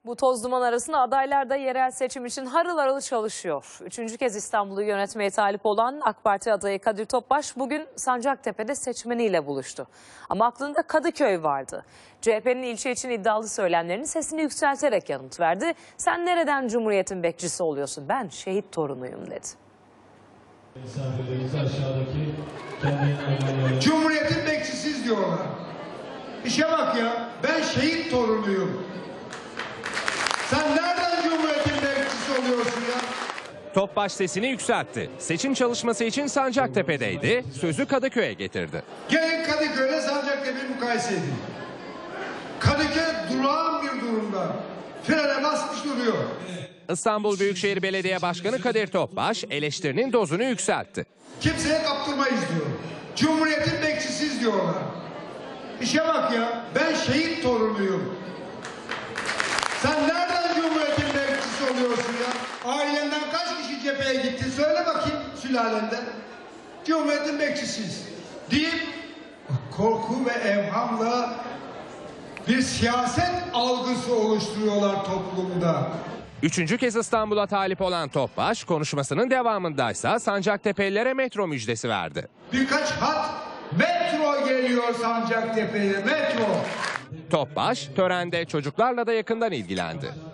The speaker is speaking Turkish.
Bu toz duman arasında adaylar da yerel seçim için harıl harıl çalışıyor. Üçüncü kez İstanbul'u yönetmeye talip olan AK Parti adayı Kadir Topbaş bugün Sancaktepe'de seçmeniyle buluştu. Ama aklında Kadıköy vardı. CHP'nin ilçe için iddialı söylemlerinin sesini yükselterek yanıt verdi. Sen nereden Cumhuriyet'in bekçisi oluyorsun? Ben şehit torunuyum dedi. Cumhuriyet'in bekçisiz diyorlar. İşe bak ya, ben şehit torunuyum. Sen nereden Cumhuriyet'in bekçisi oluyorsun ya? Topbaş sesini yükseltti. Seçim çalışması için Sancaktepe'deydi. Sözü Kadıköy'e getirdi. Gelin Kadıköy'le Sancaktepe'yi mukayese edin. Kadıköy durağan bir durumda. Frene basmış duruyor. İstanbul Büyükşehir Belediye Başkanı Kadir Topbaş eleştirinin dozunu yükseltti. Kimseye kaptırmayız diyor. Cumhuriyet'in bekçisiz diyorlar. İşe bak ya, ben şehit torunuyum. Sen nereden Cumhuriyet'in bekçisi oluyorsun ya? Ailenden kaç kişi cepheye gitti? Söyle bakayım sülalenden. Cumhuriyet'in bekçisiyiz deyip korku ve evhamla bir siyaset algısı oluşturuyorlar toplumda. Üçüncü kez İstanbul'a talip olan Topbaş konuşmasının devamındaysa Sancaktepe'lilere metro müjdesi verdi. Birkaç hat metro geliyor Sancaktepe'ye, metro. Topbaş törende çocuklarla da yakından ilgilendi.